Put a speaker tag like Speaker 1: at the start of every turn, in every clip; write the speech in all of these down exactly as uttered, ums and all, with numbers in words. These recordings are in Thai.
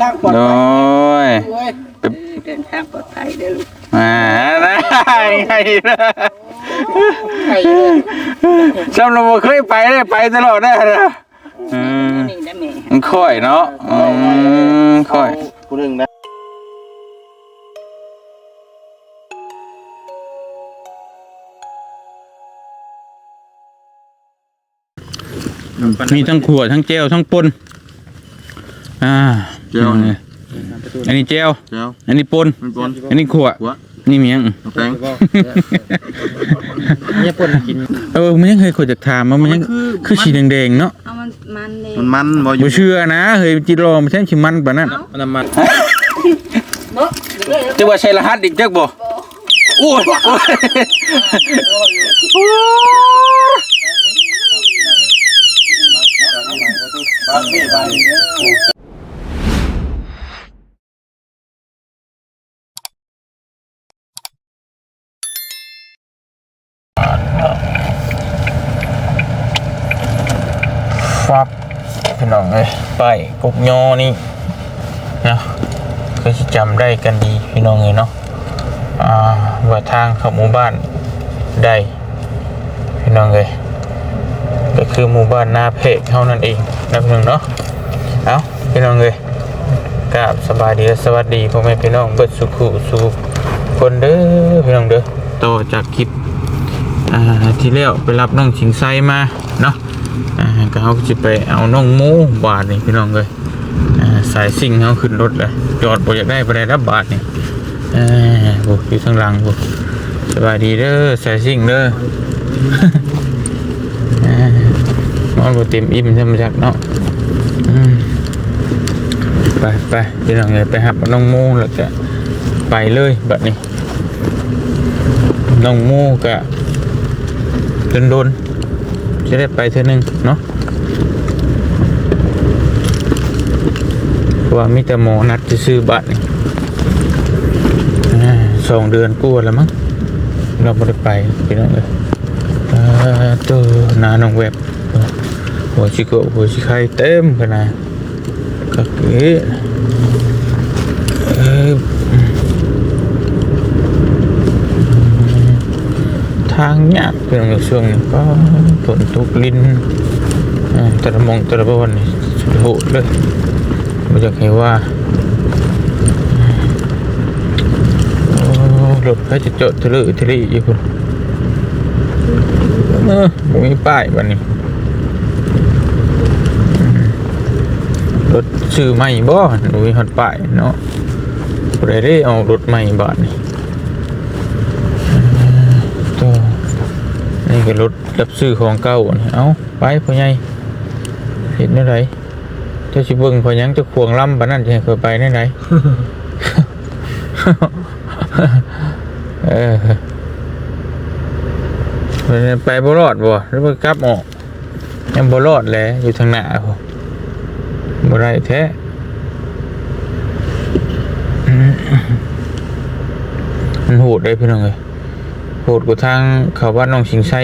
Speaker 1: างปลอดภัย
Speaker 2: เดินทางปลอดภัยเด้อลูก
Speaker 3: อ่าได้ไงนะจำเราเคยไปได้ไปตลอดได้เลยอืมค่อยเนาะอืมค่อย
Speaker 1: กูหนึ่งนะ
Speaker 3: มีทั้งขวดทั้งเจลทั้งปนอ่าเจลนี่อันนี้เจลอันนี้ปนอันนี้ขวดนี่มียัง
Speaker 1: แตง
Speaker 3: เนี่ยปนกินเออมันยังเคยขวดจากถามมันยังคือสีแดงๆเนาะ
Speaker 2: มันมันเ
Speaker 1: มันมัน
Speaker 3: บ่เชื่อนะเฮ้ยจิโร่มันใช่ชิมันปะนั่น
Speaker 1: มันมัน
Speaker 3: จะว่าใช้รหัสอีกจักบ่โอ้ยฟับพี่น้องเลยไปกุกยอนี่นะเคยจำได้กันดีพี่น้องเลยเนาะอ่าว่าทางเข้าหมู่บ้านได้พี่น้องเลยก็คือหมู่บ้านนาเพกเท่านั้นเองนะพี่น้องเนาะเอาพี่น้องเลยกราบสบายดีสวัสดีพ่อแม่พี่น้องเบิดสุขุสุขคนเด้อพี่น้องเด้อต่อจากคลิปอ่าที่แล้วไปรับน้องชิงไซมาเนาะอ่าก็เขาจะไปเอาน้องหมูบาทนี่พี่น้องเลยอ่าสายซิ่งเขาขึ้นรถเลยจอดบ่อยากได้ไปได้รับบาทนี่อ่าโอ้อยู่ทางหลังโอ้สบายดีเด้อสายซิ่งเด้ออ่านอนบ่เต็มอิ่มใช่ไหมจักเนาะไปไปพี่น้องเลยไปหับน้องหมูแล้วก็ไปเลยแบบนี้น้องหมูก็โดนโดนจะได้ไปเท่านึงเนาะว่ามีแต่หมอนัดจะซื้อบัตรสองเดือนกู้แล้วมั้งเราไม่ได้ไปพี่น้องเลยตัวนาหนองแวบหัวชิโก้หัวชิไข่เต็มขนาดก็เก๋ทางยากเพียงช่วงนี้ก็ฝนตกลิ้นตะมองตะบอนนี่สุดโหดเลยไม่อยากให้ว่ารถเขาจะจอดทะเลทะเลอยู่คุณเออมีป้ายวันนี้รถชื่อใหม่บ่หนูมีหัดป้ายเนาะอะไรได้เอารถใหม่บาทนี่นี่ก็รถรับซื้อของเก่าเอาไปพ่อใหญ่เห็นได้ไรเจ้าชิเบิ้งพอยังจะควงล่ำปะนั่นจะเคยไปได้ไหนเออไปบ่รอดบ่หรือว่ากลับออกยังบ่รอดแหละอยู่ทางหน้าผมบ่ได้แท้มันโหดได้พี่น้องเลยโหดกว่าทางเขาบ้านน้องชิงไส้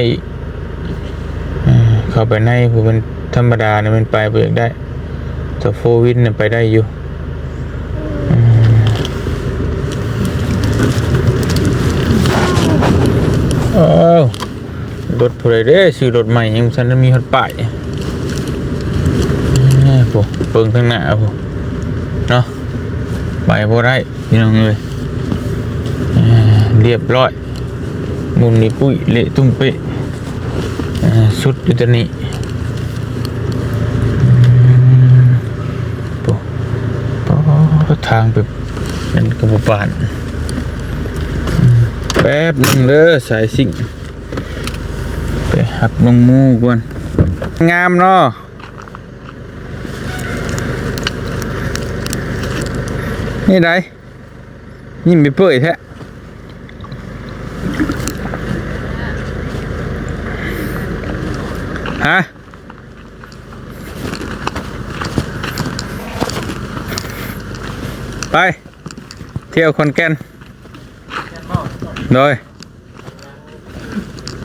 Speaker 3: เข้าไปในผมเป็นธรรมดาเนี่ยมันไปเบิกได้แต่โฟวินเนี่ยไปได้อยู่โอ้รถผู้ใดเด้ซื้อรถใหม่ยังฉันมีฮอตป้ายผมเปิงข้างหน้าผมเนาะไปบ่ได้พี่น้องเลยเรียบร้อยมุมนี้ปุ้ยเละตุ้มเป๊ะสุดอยู่ตรงนี้ทางไปนั่นกระบุปานแป๊บนึงเด้อสายซิ่งไปหักลงมูก่อนงามเนาะนี่ไดยิ้มไปเปื่อยแท้ฮะไปเที่ยวคอนแก่นโดย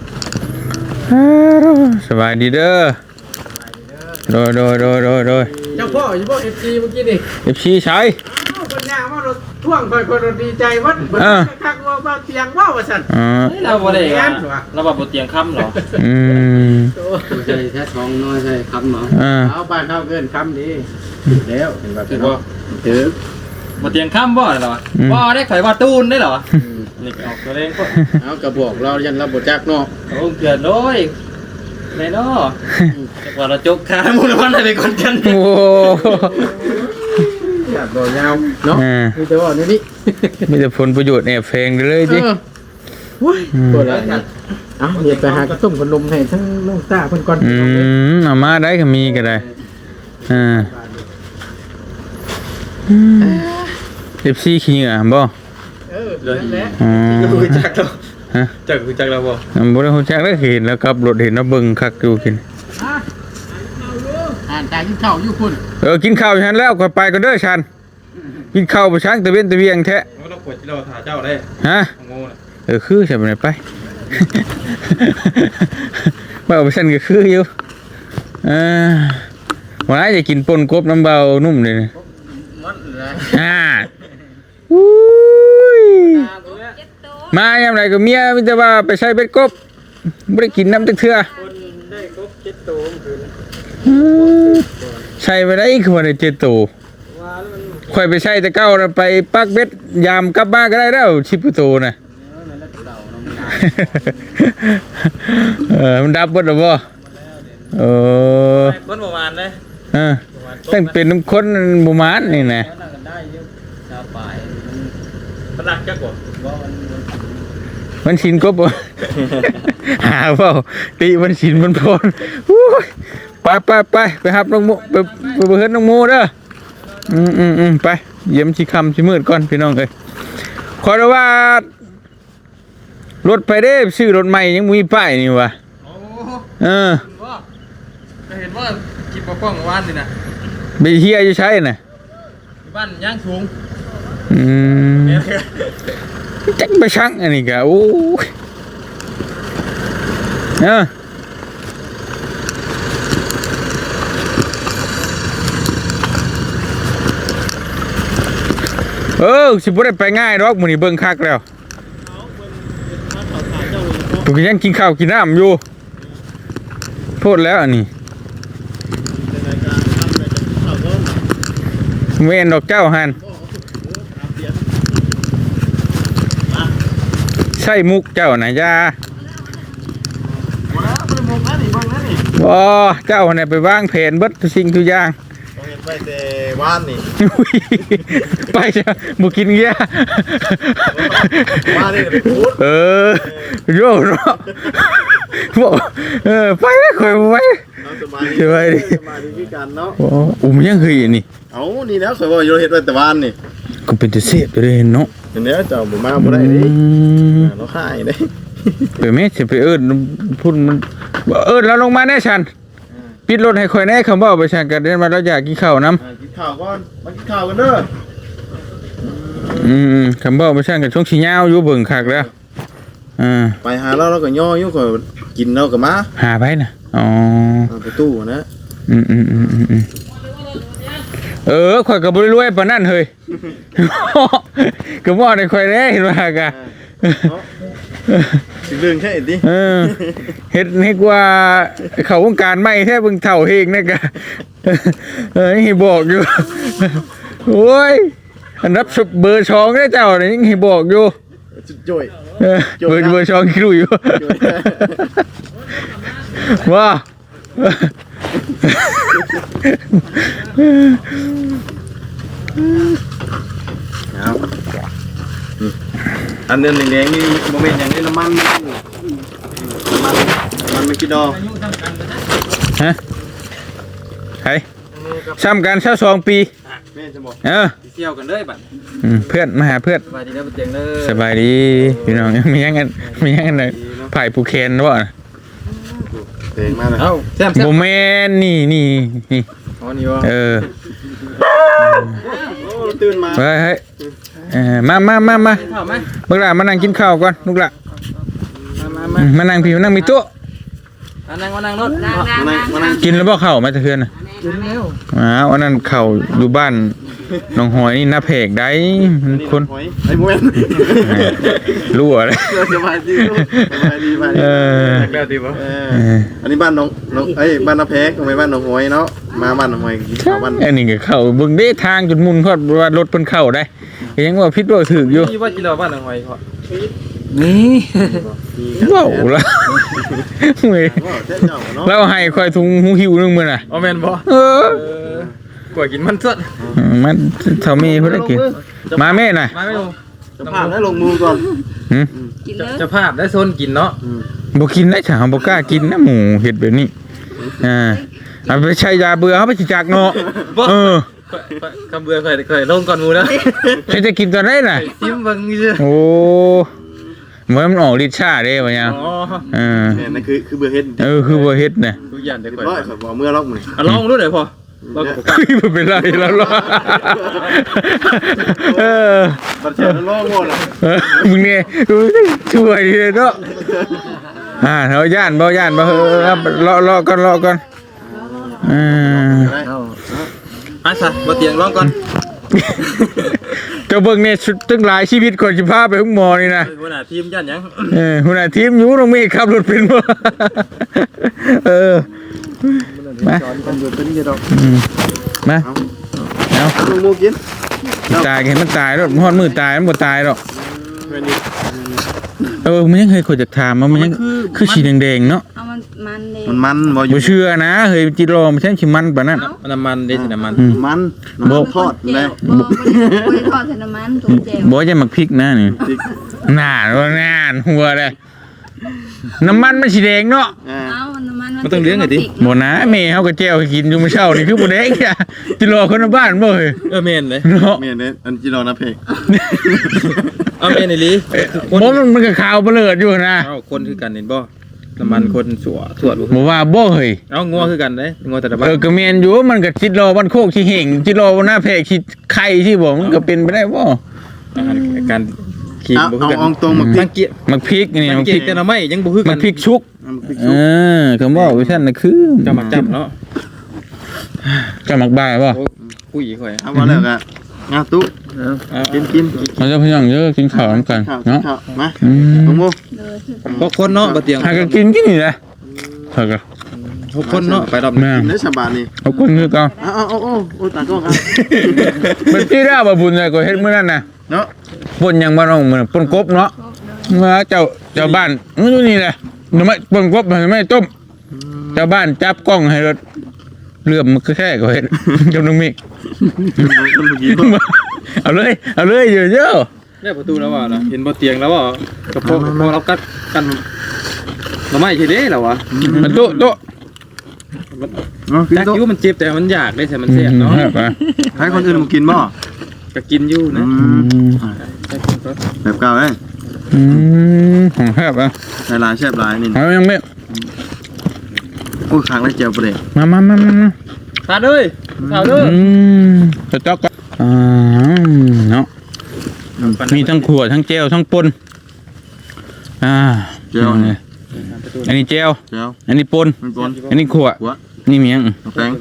Speaker 3: สบายดีเด้อโดยโดยโดยโดยโดย
Speaker 1: เจ้าพ่ออยู่บ่ เอฟ ซี เมื่อกี้นี่
Speaker 3: เอฟซีใช้
Speaker 1: อ้าวคนย่างว่ารถท่วงคอยคนดีใจวัดเบิดคักว่าว่าเตียงว่าว่าซั่น
Speaker 3: อ่า
Speaker 4: เราบ่ได้เราแบบบ่เตียงค่ำหรอ
Speaker 3: อืม
Speaker 4: ใช่แค่ท้องน้อยใช่ค่ำหรอ
Speaker 3: อ่า
Speaker 1: เอาบ้านเขาเกินคำดีแล้วเห็นว่า
Speaker 4: ถื
Speaker 1: ถื
Speaker 4: อ
Speaker 1: อ
Speaker 4: ว่า
Speaker 1: ว่าถือ
Speaker 4: บ่เตียงค่ำบ่เหรอบ่ได้ข่อยว่าตูนได้เหรอนี่ออกตัวเองก็
Speaker 1: เอากระบอกเรายันเราบดจักเนาะ
Speaker 4: โอ้เกิดเลยในเนาะจักว่าเราจกขาหมู่วันได้ไปก่อนกัน
Speaker 3: โอ้
Speaker 1: อยากบอกยาวเนาะ
Speaker 3: อ่า
Speaker 1: คือแต่ว่านี่นี่
Speaker 3: มีแต่ผลประโยชน์แอบแฝงเลยจิ
Speaker 1: เออว้ยปวดแล้วเอาเดี๋ยวไปหากระต้มขนมให้ทั้งน้องตาเพิ่นก่อน
Speaker 3: อืมเอามาได้ก็มีก็ได้อ่าเอฟซีขี้เหงื่อบ่
Speaker 1: เออนั่นแหละ
Speaker 3: อ๋อ
Speaker 4: รู้จักแล้ว
Speaker 3: ฮะ
Speaker 4: จักรู้จักแล้วบ่
Speaker 3: อันบ่ได้ฮู้จักแล้วเห็นแล้วครับรถเห็นแล้วเบิ่งคักอยู่กิน
Speaker 1: อ่านตากินข้าวอยู่คุณ
Speaker 3: เออกินข้าวฉันแล้วค่อยไปก็เด้อฉันกินข้าวบ่ช้างตะเวนตะเวียงแท้
Speaker 4: เราปวดที่เราถ่าเจ้าได้
Speaker 3: ฮะ
Speaker 4: โง่น่ะ
Speaker 3: เออคือใช่บ่ได้ไป ว่าเอาไปฉันก็คืออยู่เออวันนี้จะกินป่นกบน้ำเบานุ่มเลยนะ
Speaker 1: มันเลย
Speaker 3: อ่าอุ้ยมายามไรก็เมียมิแต่ว่าไปใช้เบ็ดกบไม่ได้กินน้ำตึกเถื่อ
Speaker 1: คนได้ครบเจ็ดตัวคือ
Speaker 3: อืมใช่ไปได้คือวันเจ็ดตัว
Speaker 1: ว่าแล้วมัน
Speaker 3: ค่อยไปใช้แต่เก้าน่ะไปปักเบ็ดยามกลับบ้านก็ได้แล้วชิบตัวน่ะ เออมันดับเบดหรือเปล่าเออ
Speaker 4: คนประมาณเลย
Speaker 3: เออตั้งเป็นน้ำข้นบุมานนี่นะ
Speaker 4: นั่งกันได้อยู่ชาวป่ายมันรักจักบ่บ่มัน
Speaker 3: มันชินกบบ่ หาเปล่าตีมันชินมันพรอู้ยไปไปไปไปหับน้องโมไปไปเบิดน้องโมเด้ออืมอืมอืมไปเยี่ยมชิคำชิมืดก่อนพี่น้องเอ้ยขอว่า รถไปได้ซื้อรถใหม่ยังมีป้ายนี่วะ
Speaker 4: โอ้
Speaker 3: เออ
Speaker 4: ว่าเห็นว่ากินปลาป้องว่านนี่นะ
Speaker 3: ไปเฮียจะใช้น่ะ
Speaker 4: บ้านย่างสูง
Speaker 3: อืมจักไปช่างอันนี้กะโอ้ยเออเออสิบ่ได้ไปง่ายดอกมื้อนี้เบิ่งคักแล้วพวกยังกินข้าวกินน้ำอยู่โทษแล้วอันนี้เวนดอกเจ้าหันใช่มุกเจ้านะยาว้าเจ้าเนี่ยไปวางแผนเบิดทุกสิ่งทุกอย่าง
Speaker 1: เห็นไปแต่ว่านนี่
Speaker 3: ไปจ้ะบุกินเงี้ย
Speaker 1: ว่านนี่ไปพูด
Speaker 3: เออโย่เนาะบอกเออไปคอยไป
Speaker 1: สบายดี
Speaker 3: สบายดี
Speaker 1: สบายดีคือกันเนาะ
Speaker 3: โอ้อุ้มยังเคยนี่
Speaker 1: เอ้านี่แล้วข่อยว่าอยู่เฮ็ดไว้แต่ว่านนี่
Speaker 3: ก็เป็นตัวเสียบเลยเนาะ
Speaker 1: เห็นแล้วเจ้าบ่มาบ่ได้ดิ
Speaker 3: อืม
Speaker 1: เราขายได้
Speaker 3: ไปแม่จะไปเอิ้นพูดมันเอิ้นเราลงมาแน่ชันปิดรถให้คอยแน่คำว่าไปชันกันเดินมาแล้วอยากกินข้าวน้ำ
Speaker 1: อ่ากินข้าวก่อนมากินข้าวกันเด้อ
Speaker 3: อืมคำว่าไปชันกันช่วงชี้ยาวอยู่เบิ่งคักแล้วอ่า
Speaker 1: ไปหาเราเราก็ย่ออยู่ข่อยกินเราก็มา
Speaker 3: หาไปนะอ๋อ
Speaker 1: เอาไปตู้นะ
Speaker 3: อืมอืมอืมอืมอืมเออข่อยกับบริรวยปานนั่นเฮ้ย ก็บอกในข่อยแน่เห็นว่ากะ
Speaker 1: สิเรื่องแค่ดิ
Speaker 3: เออเฮ็ดให้กว่าเขาวงการไม่แท้เบิ่งเฒ่าเฮงนะกะ เออยังให้บอกอยู่ โอ้ยอันรับเบอร์ช่องได้เจ้านี่ยังให้บอกอยู่
Speaker 1: จุดจ่อย
Speaker 3: เออเบอร์เบอร์ช่องคิวอยู่ ว่า
Speaker 1: เอาอันนั้นแดงๆนี่บ่แม่นหยังนี่น้ำมันน้ำมันน้ำมันไม่กินดอก
Speaker 3: ฮะใครซ้ำกันเช้าสองปี
Speaker 1: แม่จะบอก
Speaker 3: เออ
Speaker 4: เที่ยวกันเลยบัด
Speaker 3: อืมเพื่อนมาหาเพื่อน
Speaker 4: สบายดีนะบ่เตียงเด้อ
Speaker 3: สบายดีพี่น้องมียังกันมียังกันเลยไผ่ปูเคนวะ
Speaker 1: เต็งมาเลย
Speaker 4: เอ้าแซ่บ
Speaker 3: โมเมนนี่นี่นี่
Speaker 4: ๆอ๋อนี่บ่
Speaker 3: เออ
Speaker 1: โอ้ตื่นมา
Speaker 3: เฮ้ยเฮ้ยเออมามามามา
Speaker 4: เข้ามา
Speaker 3: ลูกหลานมานั่งกินข้าวก่อนลูกหลาน
Speaker 4: มามา
Speaker 3: อืมมานั่งพี่มานั่งมีโต๊ะ
Speaker 4: มานั่งมานั่งรถ
Speaker 2: นางนาง
Speaker 1: มานั่งมานั่ง
Speaker 3: กินแล้วบ่ข้าวมาจะเพื่อนน่ะ
Speaker 2: แม่
Speaker 1: กินแล้ว
Speaker 3: อ้าวอันนั้นเข้าอยู่บ้านน้องหอยนี่หน้าเพกได้มันคน
Speaker 5: หอยไอ้โมเมน
Speaker 3: รั่วเลย
Speaker 5: สบายดีสบายดีสบายดี
Speaker 3: เออ
Speaker 4: แล้วดีบ่
Speaker 5: เอออันนี้บ้านน้องน้องเอ้ยบ้านน้าแพกไม่บ้านน้องหอยเนาะมาบ้านน้องหอยกินข้าวบ้าน
Speaker 3: อันนี้ก็เข้าเบิ่งเด้ทางจนมุนพอดว่ารถเพิ่นเข้าได้ยังว่าผิดว่าถูกอยู่
Speaker 4: นี่ว่าจิเราบ้านหนองหอยพอ
Speaker 1: นี่
Speaker 3: เว้าละเว้ย
Speaker 5: ว่าเจ้าเจ้าเนาะ
Speaker 3: เราให้ค่อยถุงหูหิวนึงมื้อน่ะ
Speaker 4: อ๋อแม่นบ่
Speaker 3: เออ
Speaker 4: เออกว่ากินมันสด
Speaker 3: มันเท่ามีเพิ่นได้กินมาแม่น่ะ
Speaker 4: มาไม่ลง
Speaker 5: จะพาให้ลงมือก่อน
Speaker 3: หึ
Speaker 2: กินเลย
Speaker 4: จะภาพได้โซนกินเนาะ
Speaker 3: บ่กินได้จ้ะบ่กล้ากินนะหมูเฮ็ดแบบนี้อ่าเอาไปใช้ยาเบื่อเฮาไปสิจักเนาะเออ
Speaker 4: คำเบื่อเคยเคยลงก่อนหมูแล้ว
Speaker 3: ใครจะกินตอนไหนน่ะ
Speaker 4: ซิมเบิ่งซื่อ
Speaker 3: โอ้เหมือนมันออกฤทธิ์ชาเด้ว่าหยัง
Speaker 4: อ๋อ
Speaker 3: เออ
Speaker 5: เนี่ยนั่นคือคือเบอร์เฮ็ด
Speaker 3: เออคือบ่เฮ็ดน่ะ
Speaker 4: ทุกอย่างเดี๋ยวก่อน
Speaker 5: ร้อยขอบอกเมื่อล็อกมือ
Speaker 4: อ่ะลองดูหน่อยพอลองกับ
Speaker 3: คุยบ่เป็นไรแล้วล่ะเออ
Speaker 5: บัตรเชิญล่อหมดอ่ะ
Speaker 3: เออมึงเนี่ยช่วยดีเนาะอ่าเฮาย่านบ่ย่านบ่เออรอรอก่อนรอก่อนอ่า
Speaker 1: เอา
Speaker 4: อ่ะซะบ่เตียงลองก่อน
Speaker 3: เจ้าเบิ่งเนี่ยชุดตั้งหลายชีวิตก่อนสิพาไปห้องหมอนี่นะ
Speaker 4: หัวหน้าทีมย่านหยัง
Speaker 3: เออหัวหน้าทีมอยู่ตรงนี้ขับรถเป็นบ่เออมา
Speaker 1: จอนกันอยู่เป็นเดียวดอก
Speaker 3: อืมมาเอา
Speaker 5: ลงมือกิน
Speaker 3: ตายเห็นมันตายแล้วฮอดมือตายมันบ่ตายหรอก
Speaker 4: เพิ่นนี่
Speaker 3: เออมันยังเคยคนจะถามว่ามันยังคือสีแดงๆเนาะ
Speaker 2: เอามันมันเลย
Speaker 5: มันมันบ่อยู่
Speaker 3: บ่เชื่อนะเฮ้ยจิโร่มันใช่สิมันปานนั้น
Speaker 4: น้ำมันเด้สิน้ำมัน
Speaker 3: อืม
Speaker 5: มัน
Speaker 3: บ่
Speaker 5: ทอด
Speaker 2: เจ
Speaker 5: เล
Speaker 2: ล
Speaker 5: ย
Speaker 2: บ่บ่ได้ทอดใส่น้ำมันถุงเจล
Speaker 3: บ่จะมักพริกนะนี่น่าว่าน่านหัวเลยน้ำมันมันสีแดงเนาะ
Speaker 2: เอาน้ำมัน
Speaker 4: มันต้องเลี้ยงไงดิ
Speaker 3: บ่นะแม่เฮาก็แจ้วให้กินอยู่มื้อเช้านี่คือบ่แดงจ้ะจิโร่คนในบ้านบ่เฮ้ย
Speaker 4: เออแม่นเลย
Speaker 3: เนาะ
Speaker 5: เมียเนี่ยอันจีรอนะเพก
Speaker 4: เอาแม่นอีหลีคน
Speaker 3: บ่มันมันก็ขาวเบลิดอยู่นะ
Speaker 4: เอาคนคือกันเห็นบ่น้ำมันคนสัวสวดบ่
Speaker 3: บ่ว่าบ่เฮ้ย
Speaker 4: เอางัวคือกันเด้งัวแต่ละบ้า
Speaker 3: เอน อก็แม่นอยู่มันก็จิโร่บ้านโคกสิเห่งจิโร่หน้าแพรกสิไข่สิบ่มันก็เป็นไปได้บ่
Speaker 4: อาหารการขีด
Speaker 5: เอา
Speaker 4: บ่คือ
Speaker 5: เอา
Speaker 4: กัน
Speaker 5: เอาตรงมา
Speaker 4: สังเกต
Speaker 3: มักพริกนี่
Speaker 4: สั
Speaker 3: มั
Speaker 4: ง
Speaker 3: ก
Speaker 4: เก
Speaker 3: พริ
Speaker 4: ต
Speaker 3: ก
Speaker 4: แต่ละไม่ยังบ่คือกั
Speaker 3: มัน นพริกชุก เออก็บอกว่าท่านน่ะคือ
Speaker 4: จะมักจำเนาะ
Speaker 3: จะมักบ่ายบ่
Speaker 4: โอ้คุยค่อย
Speaker 5: เอามาแล้วกันงาตุ๊กินกิน
Speaker 3: เราจะพยายามเยอะกินข้าวนํกัน
Speaker 5: ข้าว
Speaker 3: เนาะ
Speaker 5: ข้าวมา
Speaker 3: อืม
Speaker 5: ลงมือ
Speaker 2: เลย
Speaker 4: พวกคนเนาะบ่เตียง
Speaker 3: หากันกินกินนี่แหละเฮาก็
Speaker 4: พวกคนเนาะไปรอบ
Speaker 3: แม่
Speaker 5: กินได้ฉบับนี้
Speaker 3: เอาคนคือเก่า
Speaker 5: เอาเอาเอาเอาโอ้ตากล้องครับ
Speaker 3: มันที่ได้บ่บุญเลยก็เฮ็ดมื้อนั้นน่ะ
Speaker 5: เนาะ
Speaker 3: ป่นหยังบ่น้องมื้อป่นกบเนาะเมื่อเจ้าเจ้าบ้านมื้อนี่แหละหน่อไม้ป่นกบหน่อไม้ต้มเจ้าบ้านจับกล้องให้รถเลื่อมมันก็แค่ก็เฮ็ด จำนึงมิ
Speaker 5: คนเมื่อกี้
Speaker 3: เอาเลยเอาเลยเยอะ
Speaker 4: ได้ประตูแล้วว่านะเห็นบ่เตียงแล้วว่ากับพวกพวกเรากัดกันเราไม่ทีเด้แล้ววะ
Speaker 3: ๆมันโต๊ะโต๊ะ
Speaker 4: จักอยู่มันเจ็บแต่มันอยากได้แต่มันแซ่บเนาะ
Speaker 3: ไป
Speaker 5: ให้คนอื่นมากินบ่
Speaker 4: ก็กินอยู่นะ
Speaker 5: แบบเก่าเลย
Speaker 3: อืมของแคบอ่ะ
Speaker 5: หลายๆแซ่บหลายนี่
Speaker 3: เอายังไม่
Speaker 5: โอ้ครั้งแรกเจียวประเดี๋ยว
Speaker 3: มามามามา
Speaker 4: ทานเลยทานเลย
Speaker 3: อืมจะจ๊อกกันอ่าเนาะมีทั้งขวดทั้งเจลทั้งปนอ่า
Speaker 5: เจียว
Speaker 3: นี่อันนี้เจล
Speaker 5: เจียว
Speaker 3: อันนี้ปน
Speaker 5: มันก้น
Speaker 3: อันนี้ขวด
Speaker 5: หัว
Speaker 3: นี่เมียง
Speaker 5: แป้ง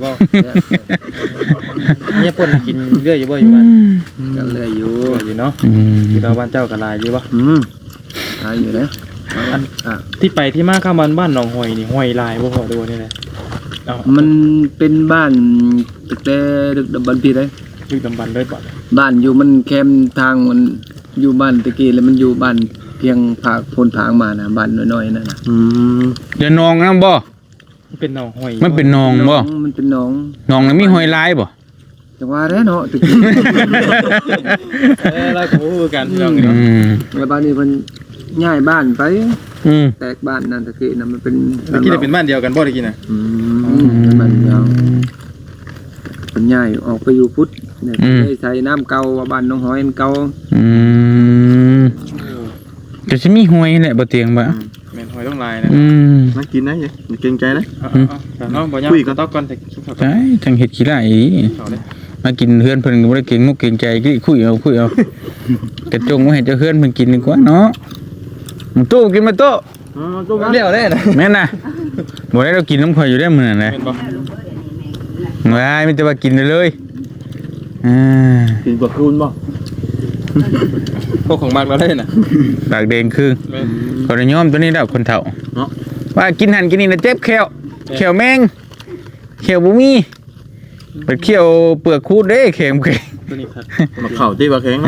Speaker 4: เนี่ยปนกินเรื่อยอยู่บ่อยู่บ้าน
Speaker 1: กันเลยอยู่
Speaker 4: อยู่เนาะ
Speaker 3: อืม
Speaker 4: อยู่เราบ้านเจ้ากับลายอยู่บ่
Speaker 5: อืม
Speaker 1: ตายอยู่แล้วอันอ่ะ
Speaker 4: ที่ไปที่มาข้ามบ้านบ้านหนองหอยนี่หอยลายบ่พอดูนี่แหละเอา
Speaker 1: มันเป็นบ้านตึกแต่ดึกดำบรรพ์พี่เลย
Speaker 4: ดึกดำบรรพ์เลยบ่
Speaker 1: บ้านอยู่มันแคมทางมันอยู่บ้านตะกี้แล้วมันอยู่บ้านเพียงผากโพนผางมานะบ้านน้อยๆนั่นน่ะ
Speaker 5: อืม
Speaker 3: เดี๋ยวนองนะบ่
Speaker 4: มันเป็นหนองหอย
Speaker 3: มันเป็นนองบ่
Speaker 1: มันเป็นหนอง
Speaker 3: นองแล้วมีหอยลายบ่
Speaker 1: จังว่าแล้วเนาะตะกี้
Speaker 4: เออเราก็ฮู้กันพี่น้อง
Speaker 3: อื
Speaker 4: เนาะ
Speaker 3: ม
Speaker 1: แล้วบ้านนี้มันย้ายบ้านไป
Speaker 3: อืม
Speaker 1: แตกบ้านนั่นตะกี้น่ะมันเป็น
Speaker 4: เมื่อกี้ได้เป็นบ้านเดียวกันบ่ได้กินน่ะ
Speaker 5: อื
Speaker 1: อื
Speaker 5: ม
Speaker 1: มเป็นบ้านยาวเป็นย้ายออกไปอยู่พุทธเนี่ยได้ใช้น้ำเก่าว่าบ้านน้องหอยมันเก่า
Speaker 3: อืมก็สิมีหอยแหละบ่เตียงบ่
Speaker 4: แม่นหอยต้องลายนะ
Speaker 3: อืม
Speaker 5: น่ากินนะเนี่ยเกรงใจนะ
Speaker 4: เอาๆๆเนาะบ่ยาก
Speaker 5: คุยกัน
Speaker 4: ต๊อกก่อนแต่คิดเขาก่อน
Speaker 3: ใช่จังเฮ็ดขี้ไล่อี
Speaker 4: เขาเลย
Speaker 3: มากินเฮือนเพิ่นก็บ่ได้เก่งมุกเก่งใจกี่คุยเอาคุยเอากระจงไว้ให้เจ้าเฮือนเพิ่นกินดีกว่าเนาะมึงโตกินมาโต
Speaker 5: อ๋อตัว
Speaker 4: เลี้ยวได้นะ
Speaker 3: แม่นน่ะบ่ได้เรากินน้ำข่อยอยู่ได้มื้อนั้นแหละ
Speaker 4: แม่นบ่
Speaker 3: ว้ายมันจะมากินเลยอ่า
Speaker 1: กินกว่าคูณบ่
Speaker 4: พวกของมากเราได้น่ะ
Speaker 3: ปากแดงคือคนนิยมตัวนี้แล้วคนเฒ่า
Speaker 4: เนาะ
Speaker 3: ว่ากินหันกินนี่นะเจ็บแขวแขวแมงแขวบุมีเป็นเขียวเปลือกคูดเด้แข็งแข็ง
Speaker 4: ตัวนี้ครับ
Speaker 5: มาเข่าที่ว่าแข็ง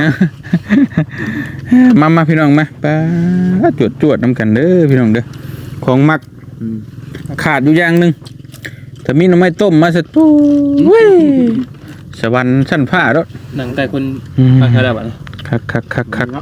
Speaker 3: มามาพี่น้องมาป้าจวดจวดน้ำกันเด้อพี่น้องเด้อของมักขาดอยู่อย่างหนึ่งถ้ามีหน่อไม้ต้มมาสักตู้เว้ยสวรรค์ชั้นฟ้าแล้ว
Speaker 4: หนังแต่คนฟังแค่ได้บัดนี้
Speaker 3: คักคักคักคัก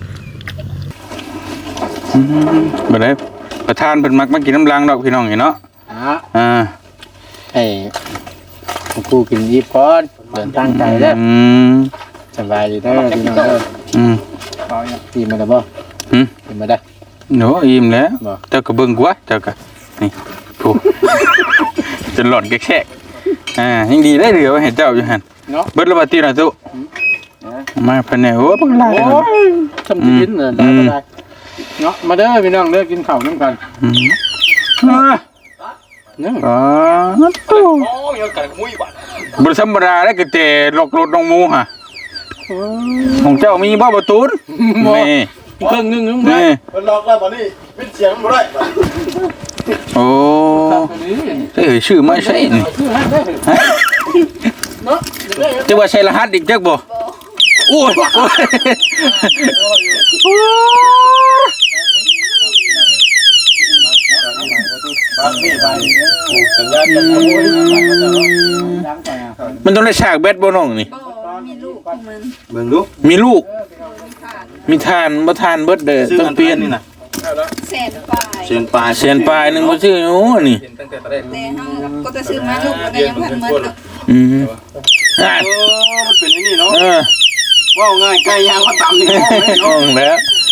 Speaker 3: บ่ได้ประธานเพิ่นมักมากินน้ำล้างดอกพี่น้องเห็นเนาะ
Speaker 1: อ่ะ
Speaker 3: อ่า
Speaker 1: ไอ้กูกินยิบก่อนเดินทางไกลแล้ว
Speaker 3: อืม
Speaker 1: สบายดีเด้อพี่น้องเด้อ
Speaker 3: อืม
Speaker 1: กินมาได้บ่
Speaker 3: หืม
Speaker 1: กินมาได้
Speaker 3: โหอิ่มแล้ว
Speaker 1: บ่
Speaker 3: เจ้าก็เบิ่งกว่าเจ้าก็นี่โถูจนหลอดแกกๆอ่ายังดีได้เหลือไว้ให้เจ้าอยู่หั่น
Speaker 1: เนาะ
Speaker 3: เบิดละบาตีน่ะตุมาภายในโอ้บักหลาย
Speaker 1: โอ้ยทำกินเด้อได้บ่ได้เนาะมาเด้อพี่น้องเด้อกินข้าวน้ำกัน
Speaker 3: อืมอ่า
Speaker 1: เนาะ
Speaker 3: อ๋อตู้บ่ธรรมดาแล้วก็แต่หลอกรถน้องหมูฮะของเจ้ามีบ่ประตูนนี่
Speaker 1: เครื่องนึงนึง
Speaker 3: นี่
Speaker 5: มันล็อกแล้วบ่นี่เป็นเสียงบ่ได้
Speaker 3: โอ้เอ้ยชื่อไม่ใช่นี่จะว่าใช่รหัสอีกจักบ่โอ้ยโอ้ยมันต้องได้ฉากแบดบ่น้องนี่
Speaker 2: บ่มีลูกของมัน
Speaker 5: เบิ่งดู
Speaker 3: มีลูก
Speaker 2: มีขาด
Speaker 3: มีทานบ่ทานเบิดเด้อต้องเปลี่ยน
Speaker 5: นี่น่ะ
Speaker 2: แสนปลาย
Speaker 5: เสียนปลาย
Speaker 3: เสียนปลายหนึงบ่ชื่อโอ้นี่
Speaker 4: ตั้งแต่ตอนแรก
Speaker 2: แต่เฮาก็จะซื้อมาลูกก็ยังพันหมดเนาะ
Speaker 3: อืมอ่า
Speaker 5: โอ้มันเป็นนี่เนาะ
Speaker 3: เออ
Speaker 5: ว่าง่ายไก่ย่างว่าตำนี่
Speaker 3: ห้องแล้ว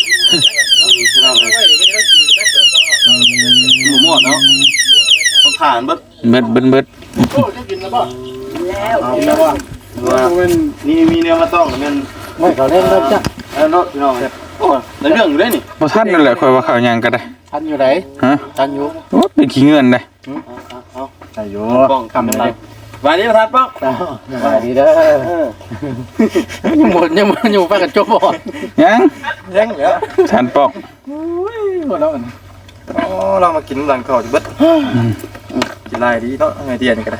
Speaker 5: หมูหมดเนาะต้องทานเบิด
Speaker 3: เบิดเบิดเบิด
Speaker 5: เอาแล้วว่านี่มีแนวมาต้องมัน
Speaker 1: ไม่เขาเล่นเริ่มจ้ะ
Speaker 5: แล้วเนาะพี่น้องโอ้ในเรื่องอยู่ได้นี่
Speaker 3: บ่ทันนั่นแหละค่อยว่าข้าวหยังก็ได้
Speaker 1: ทันอยู่ไหน
Speaker 3: ฮะ
Speaker 1: ทันอยู่
Speaker 3: โอ้เป็นขี้เงินได้
Speaker 1: ทันอยู่
Speaker 5: ป้องคำอะไรวันนี้ประธานป้อง
Speaker 1: สบายดีเด้อยังหมดยังหมดอยู่ไปกันจบบ่
Speaker 3: ยัง
Speaker 5: ยังเหลือ
Speaker 3: ทานปอก
Speaker 1: หมดแล้ว
Speaker 5: อ๋อเรามากินหลังก่อนเบิดกินลายดีเนาะไงเดียนก็ได้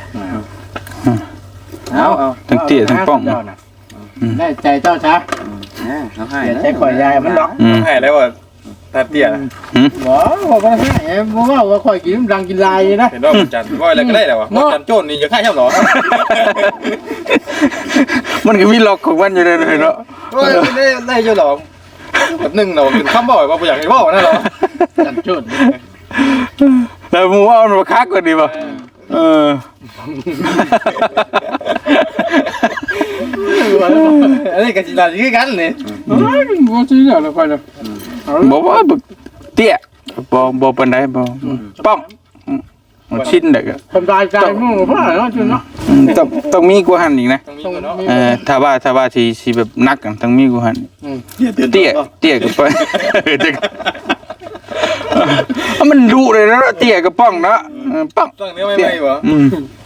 Speaker 1: เอาเอา
Speaker 3: ทั้งเตี้ยทั้งป้อง
Speaker 1: ได้ใจเจ้าช้า
Speaker 5: น้องให้
Speaker 1: ใจข่อยยายมันดอก
Speaker 3: อืม
Speaker 5: ให้แล้วว่าตาเตี้ย
Speaker 1: บ่บ่ก็ให้บ่ว่าว่าข่อยกินรังกินลายนะ
Speaker 5: เห็นว่าจันว่าอะไรก็ได้แล้ววะจันโจนนี่อย่าฆ่าเช่าหรอ
Speaker 3: มันก็มีล็อกของมันอยู่เลยเนาะ
Speaker 5: ว่าได้ได้เจ้าหรอแบบนึงเรากินข้าวบ่อยว่าอยากให้บ่อยนะหรอ
Speaker 1: จันจุด
Speaker 3: แล้วมึงว่ามันมาคักกว่าดีป่ะเออ
Speaker 5: อันนี้กับจินตนาคือกันเลย
Speaker 1: บ่ซื้อแล้วค่อยแล้ว
Speaker 3: บอกว่าบึกเตี้ยบ่บ่ปานใดบ่ป้องมันชิ้นเด็ก
Speaker 1: ทำลายใจมึงบ่เนาะจุเนาะ
Speaker 3: ต้องต้องมีกว่าหันอีกนะ
Speaker 1: ต้องมี
Speaker 3: เออถ้าว่าถ้าว่าสิสิแบบนักกันต้องมีกว่าหันเตี้ยเตี้ยกับป้องมันดุเลยนะเตี้ยกับป้องเนาะป้อง
Speaker 5: ตั้งเนื้อไม่ไม่เหรอ
Speaker 3: อืม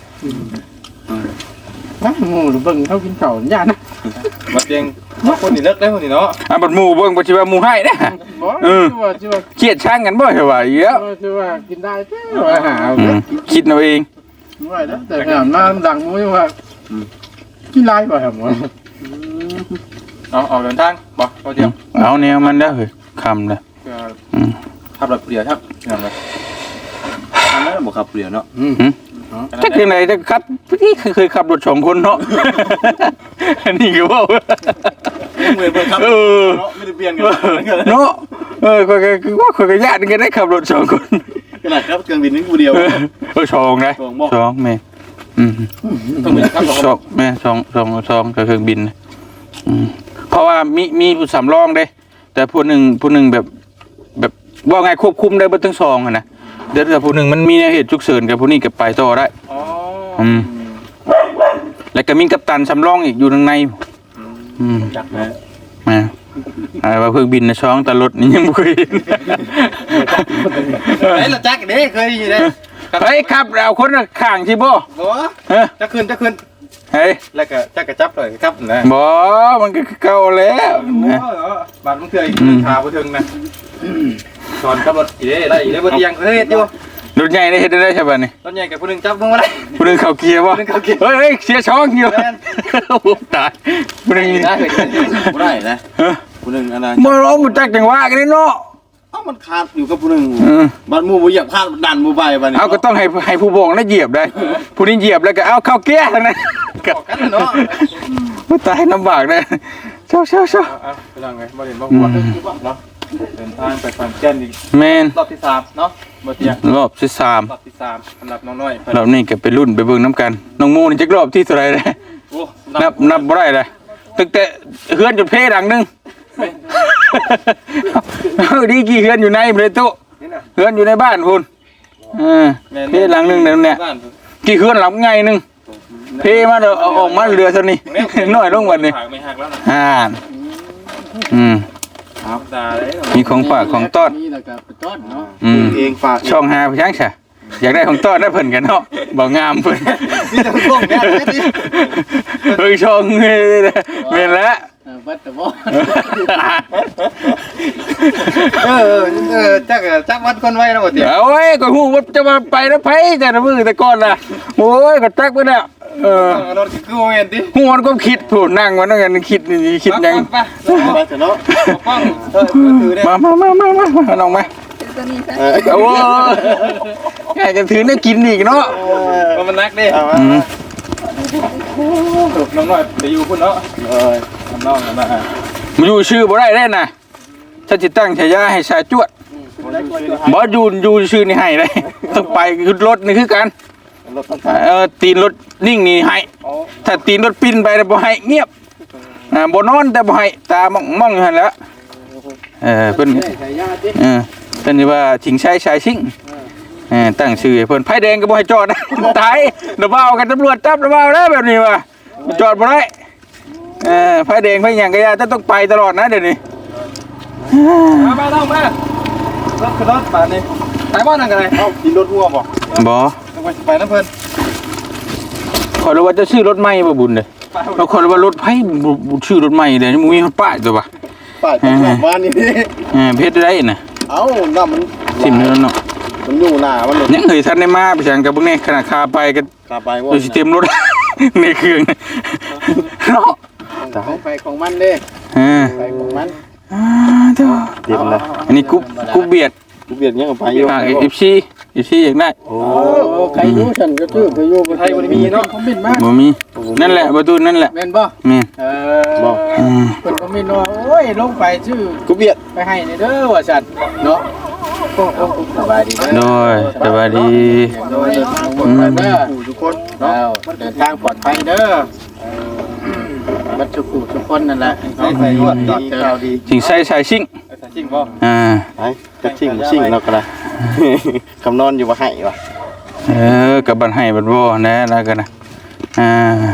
Speaker 1: ฮะหมูเบิ่งเขากินข้าวย่านะ
Speaker 5: มาเตียงคนนี่เลิกได้คนนี่เนาะ
Speaker 3: อ่ะบัดหมู่เบิ่งบ่สิว่าหมู่ให้เด้อ
Speaker 1: บ่ชื่อว่าชื่อว่า
Speaker 3: เครียดช่างกันบ่เหรอวะเยอะ
Speaker 1: ชื่อว่ากินได้เด้อว่าหา
Speaker 3: อืมคิดเอาเอง
Speaker 1: ว่าเด้อแต่งานมาดังมื้อว่ากินลายบ่ครับหมอ
Speaker 5: เอาเอาเดินทางบ่ก็เดียว
Speaker 3: เอาแนวมันเด้อเฮ้ยคำเด้ออืม
Speaker 5: ขับรถเปลี่ยนครับอย่างไรทำแล้วบอกขับเปลี่ยนเนาะ
Speaker 3: จักจังได๋จักขับพี่เคยขับรถสองคนเนาะ อันนี้ก็เว้า
Speaker 5: เหมือนเพื่อนครับ
Speaker 3: เออ
Speaker 5: เนาะไม่ได้เปลี่ยนกัน
Speaker 3: เนาะเออข้อยก็คือว่าข้อยก็ญาติกันได้ขับรถสองคน
Speaker 5: ขนาดครับเครื่องบินนี่กูเดียว
Speaker 3: เออเออสองนะ
Speaker 5: สองบ่
Speaker 3: สองแม่อืม
Speaker 5: ต้องเป็นครับสอง
Speaker 3: สองแม่สองสองสองกับเครื่องบินอืมเพราะว่ามีมีผู้สำรองเด้แต่ผู้หนึ่งผู้หนึ่งแบบ แบบว่าไงควบคุมได้เบ่ทั้งสองอะนะเดี๋ยวแต่ผู้หนึ่งมันมีเหตุฉุกเฉินกับผู้นี้ก็ไปต่อได้
Speaker 5: อ๋อ
Speaker 3: อืม แล้วก็มีกัปตันสำรองอีกอยู่ข้างในอืม
Speaker 5: จักนะ
Speaker 3: มาอะไรว่าเครื่องบินนะช่องแต่รถนี่ยังบ่เคยเห็น
Speaker 5: ไอ้ละจักเด้เคยอยู่เด้
Speaker 3: เฮ้ยครับเราคนข้างที่บ่
Speaker 5: บ่
Speaker 3: เฮ้ย
Speaker 5: จะขึ้นจะขึ้น
Speaker 3: เฮ้ย
Speaker 5: แล้วก็จะกระจับเลยครับนะ
Speaker 3: บ่มันก็เก่าแล้ว
Speaker 5: โอ้บาดมันเคยขาบ่ถึงนะสอนขับรถอีเด้ได้อีเด้บ่เตียงเฮ็ดอยู่
Speaker 3: รถใหญ่ได้เฮ็ดได้ใช่ป่ะนี่
Speaker 5: รถใหญ่กับผู้นึงจับมึงบ่ได้
Speaker 3: ผู้นึงเข้าเกียร์บ่
Speaker 5: ผู้นึงเข้าเกียร์
Speaker 3: เฮ้ยเฮ้ยเสียช่องอยู่
Speaker 5: แม่น
Speaker 3: โอ้โหตายผู้นึง
Speaker 5: ได้เฮ็ดบ่ได้นะ
Speaker 3: เฮ้ย
Speaker 5: ผู้นึงอันนั้น
Speaker 3: บ่ร้องบ่จักจังหวะกันนี่เนาะ
Speaker 5: เอ้ามันขาดอยู่กับผู้นึง
Speaker 3: เออ
Speaker 5: บัดหมู่บ่เหยียบขาดดันหมู่ไปบัดนี้
Speaker 3: เอาก็ต้องให้ให้ผู้บ่งแล้วเหยียบได้ผู้นี้เหยียบแล้วก็เอาเข้าเกียร์ทั้งนั้น
Speaker 5: ก็กันเนาะ
Speaker 3: บ่ตายลำบากเลยเช้าเช้าเช้า
Speaker 5: เอาไปลองไงบ่เห็นบ่หัวเนาะเดินทางไปฟังแก่นอีก
Speaker 3: แม่น
Speaker 5: รอบที่สามเนาะบ่เตียง
Speaker 3: รอบที่สาม
Speaker 5: รอบที่สามสำหรับน้องน้อย
Speaker 3: รอบนี้ก็ไปรุ่นไปเบิ่งน้ำกันน้องมูนี่จักรอบที่เท่าไหร่เลย
Speaker 5: โอ้
Speaker 3: นับนับบ่ได้เลยตั้งแต่เฮือนจนเพดังหนึงเอาดีกี่เฮือนอยู่ในเลยตุ๊เฮือนอยู่ในบ้านพุ่นเออเพหลังหนึงนั่นเนี่ยกี่เฮือนหลังไงหนึงเพมาเด้อเอาออกมาเรือเท่านี้น้อยลงวันนี้
Speaker 5: หักไม่หักแล้วนะ
Speaker 3: อ่าอืม
Speaker 5: ครับตาเลย
Speaker 3: มีของฝากของต้อน
Speaker 1: นี่แล้วก็ไปต้อนเนาะ
Speaker 3: อืม
Speaker 5: เองฝาก
Speaker 3: ช่องหาพี่ช้างฉะอยากได้ของต้อนได้เพิ่นกันเนาะบ่งามเพิ่น
Speaker 5: นี่จะพวกแม่นี่
Speaker 3: เฮ้ยช่องนี่แม่นแล้ว
Speaker 1: เออบัดแต่บ่
Speaker 5: เออเออจักจักวัดคนไว้แล้วบ่เตียง
Speaker 3: เอาไว้ก็ฮู้ว่าจะมาไปแล้วไผแต่ละมื้อแต่ก่อนน่ะโอ้ยก็จักไปแล้วเออ
Speaker 5: รถคือโมเมนต์ดิ
Speaker 3: ฮู้มันก็คิดผู้นั่งมันนั่งกันคิดนี่คิดหยัง
Speaker 5: ไปไปเถอะเนาะป้องเออถือได้
Speaker 3: มามามามามาน้องมา
Speaker 2: ตัวนี้ซะ
Speaker 3: โอ้ยแกจะถือเนี่ยกินอีกเนาะ
Speaker 5: มันนักดิ
Speaker 3: อืม
Speaker 5: น้องน้อยไปอยู่พุ่นเนาะเออน้องนะ
Speaker 3: มาอยู่ชื่อบ่ได้ได้น่ะถ้าสิตั้งฉายาให้ชายจวดบ่อยู่อยู่ชื่อนี่ให้เลยต้องไปคือรถนี่คือกัน
Speaker 5: รถต้อง
Speaker 3: เออตีนรถนิ่งนี่ให้ถ้าตีนรถปิ้นไปแล้วบ่ให้เงียบอ่าบ่นอนแต่บ่ให้ตามองมองอยู่หั่นแหล้วเออเพิ่น
Speaker 1: ใส่ยาติ
Speaker 3: เออเพิ่นนี่ว่าชิงชัยชายชิงเออตั้งชื่อให้เพิ่นไผแดงก็บ่ให้จอดนะ ตายเดี๋ยวเว้ากันตำรวจจับเดี๋ยวเว้าแล้วแบบนี้ว่าจอดบ่ได้เออไผแดงไผหยังก็อย่าต้องไปตลอดนะเดี๋ยวนี้
Speaker 5: มามาต้องมารถคือรถป่านนี้ไปบ้านนั่นกันเลยเอ้ากินรถหัวบ่
Speaker 3: บ่
Speaker 5: ต้องไปไปน้ำเพิ่น
Speaker 3: ขอยรู้ว่าจะซื้อรถใหม่บ่บุญเด้อเราขอยรู้ว่ารถไผบ่บ่ชื่อรถใหม่เด้อมึงมีป้ายตัวบ่
Speaker 5: ป้ายตรงหน้าบ้านนี่
Speaker 3: เออเพชรได้น่ะ
Speaker 5: เอ้าน้ำมัน
Speaker 3: ทิ่มนี่แล้วเนาะ
Speaker 5: มันอยู่หน้ามันเลย
Speaker 3: ยังเคยทันได้มาไปจังกับเบิ่งนี่ขนาดคาไปก็
Speaker 5: กลับไปว่า
Speaker 3: ดูสิเต็มรถ ในเครื่องเนาะ
Speaker 1: ของไปของมันเด้
Speaker 3: เออ
Speaker 1: ไปของมัน
Speaker 3: อ่าเด้อ
Speaker 5: เต็มเลย
Speaker 3: อันนี้กุ๊บกุ๊บเบียด
Speaker 5: กูเบียดยังกับไปอยู่
Speaker 3: ฝาก เอฟ ซี เอฟ ซี อยากได้
Speaker 5: โอ้
Speaker 1: โอ้ใครรู้ฉันก็ชื่อไปอยู่
Speaker 5: ไทยบ่ได้มีเนาะ
Speaker 1: คอมเมนต์มา
Speaker 3: บ่มีนั่นแหละประตูนั่นแหละ
Speaker 1: แม่นบ่
Speaker 3: แม่น
Speaker 1: เอ
Speaker 5: บ่
Speaker 1: อ
Speaker 3: อืม
Speaker 1: เพิ่นคอมเมนต์ว่าโอ้ยลงไปชื่อ
Speaker 5: กูเบียด
Speaker 1: ไปให้ในเด้อว่าซั่นเนาะโอ้โอ้สบายดีเด้อ
Speaker 3: โดยสวัสดี
Speaker 1: โดยเดินทางปลอดภัยเด้อ
Speaker 5: ทุกคน
Speaker 1: แล้วเดินทางปลอดภัยเด้อบัดทุกผู้ทุกคนนั่นแหละ
Speaker 5: ใส่ใส่รวดดีข่าวดี
Speaker 3: สิงใส่สายชิง
Speaker 5: ใส่จริงบ่
Speaker 3: อ่า
Speaker 5: ไอ้จะชิงชิงเนาะก็ได้ คำนอนอยู่ว่าให้ว่ะ
Speaker 3: เออกับบันให้บันบ่แน่แล้วกันนะอ่า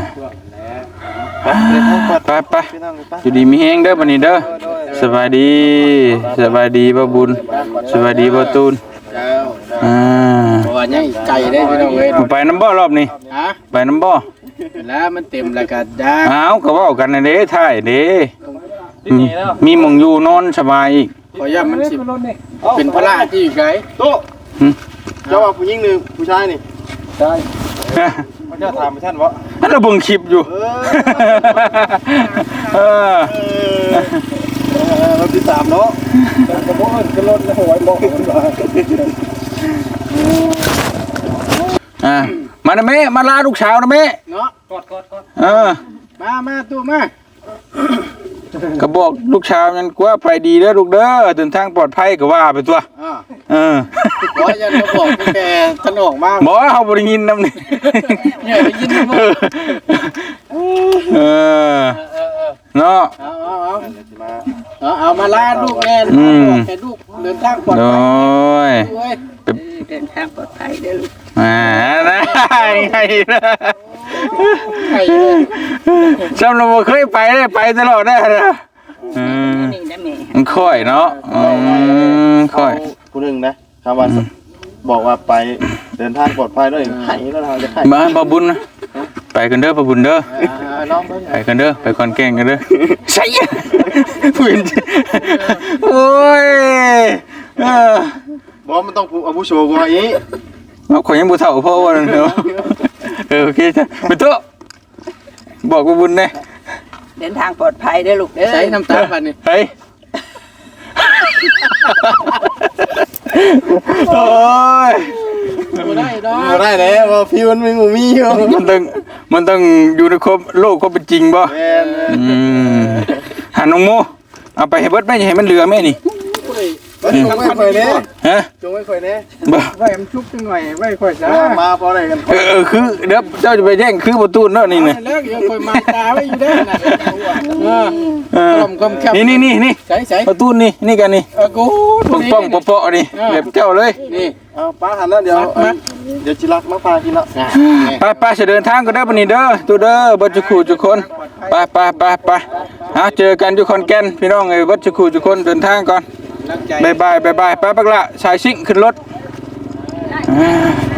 Speaker 3: ไปไปอยู่ดีมีแฮงเด้อบัดนี้เด้อสบายดีสบายดีบ่บุญสบายดีบ่ตูน
Speaker 1: เจ้า
Speaker 3: อ่า
Speaker 1: เพราะว่ายังไก่ได้พี่น้องเอ้ย
Speaker 3: ไปน้ำบ่รอบนี้
Speaker 1: ฮะ
Speaker 3: ไปน้ำบ่
Speaker 1: แล้วมันเต็มแล้วก็ดา
Speaker 3: อ้าวก็เว้ากันนะเด้ถ่ายเด้มีมีหม่องอยู่นอนสบายอีก
Speaker 1: ขอย่ามันสิเป็นพระที่อยู่ไกล
Speaker 5: โตเจ้าว่าผู้หญิงหรือผู้ชายนี่
Speaker 1: ใช่
Speaker 5: เขาจะถามไปท่านวะ
Speaker 3: อันเราเบิ่งคลิปอยู่ เออ
Speaker 5: เราที่สามเนาะกระโปงกระโดดแล้วหัวบอกมันว่า
Speaker 3: อ่ามานะแม่มาลาลูกสาวนะแม่
Speaker 1: เนาะ
Speaker 5: กอดกอดกอด
Speaker 3: เออ
Speaker 1: มามาตู้มา
Speaker 3: ก็บอกลูกสาวนั่นกว่าไปดีเด้อลูกเด้อเดินทางปลอดภัยก็ว่าไปตัว
Speaker 1: อ่า
Speaker 3: เออ
Speaker 1: ขออย่ามาบอกแกท่านออกมา
Speaker 3: บ่เฮาบ่ได้ยินนำนี่
Speaker 1: เนี่ยได้ยินบ่
Speaker 3: เออเนาะ
Speaker 1: เอาเอาเอาเอาเอามาลาลูกแน่แค่ลูกเดินทางปลอด
Speaker 3: โด
Speaker 1: ภัย
Speaker 3: ย
Speaker 1: ด้วย
Speaker 2: เดินทางปลอดภัยเด้อลูก
Speaker 3: อ่านะไงนะ
Speaker 1: ไก่เลย
Speaker 3: จำเราบ่เคยไปได้ไปตลอดได้นะอืม
Speaker 2: นี่ได้แม่
Speaker 3: มันค่อยเนาะอืมค่อย
Speaker 5: ผู้หนึ่งนะคำว่าบอกว่าไปเดินทางปลอดภัยด้วยไห้แล้วเราจะไห้
Speaker 3: มาบ่บุญนะไปกันเด้อบ่บุญเด้อ
Speaker 5: น้องเพิ่น
Speaker 3: ไปกันเด้อไปคอนแกงกันเด้อใช่ผู้หญิงโอ้ยเออ
Speaker 5: บอกมันต้องอาวุโสกว่าอี
Speaker 3: เอาข่อยยังบ่เฒ่าพ่อว่านั่นเนาะเออโอเคจ้ะไปโตะบอกบ่บุญแน่
Speaker 2: เดินทางปลอดภัยเด้อลูกเด้อ
Speaker 1: ใช้น้ำตาบัดนี้
Speaker 3: เฮ้ยโอ้ย
Speaker 1: บ่ได้ดอก
Speaker 5: บ่ได้แล้วว่าพี่มันมีหมู่มีอยู่
Speaker 3: มันต้องมันต้องอยู่ในครบโลกก็เป็นจริงบ่
Speaker 5: แม่น
Speaker 3: อืมหาน้องโมเอาไปให้เบิดไหม่ให้มันเหลือแม่นี่
Speaker 5: เฮ้ยจงไว้ค่อยแน่
Speaker 3: ฮะ
Speaker 5: จงไว้ค่อยแน่
Speaker 3: บ่
Speaker 1: ไว้มันชุบจังหน่อยไว้ค่อยซะ
Speaker 5: มาพอได้กัน
Speaker 3: เออเออคือเดี๋ยวเจ้าจะไปแย่งคือประตูเนาะนี่นะ
Speaker 1: แล้วเดี๋ยวค่อยมาตาไว้อยู่เด้อน่ะเออ
Speaker 3: เออ
Speaker 1: คอมคอมแคบ
Speaker 3: นี่นี่นี่นี่
Speaker 1: ใส่ใส่
Speaker 3: ประตูนี่นี่กันนี่
Speaker 1: เออกู
Speaker 3: ป้องป้องเปาะๆนี่แบบเจ้าเลย
Speaker 1: นี่
Speaker 5: เอาป้าหันแล้วเดี๋ยวเดี๋ยวจิรักมาพากินแล้ว
Speaker 3: ไปไปจะเดินทางก็ได้ปะนี่เด้อตูเด้อบัดจุคูจุกคนไปไปไปไปหาเจอกันอยู่คอนแก่นพี่น้องเอ้ยบัดจุคูจุกคนเดินทางก่อน
Speaker 1: ตั้งใจ
Speaker 3: บายบายบายบายไปปักละสายซิ่งขึ้นรถอ่า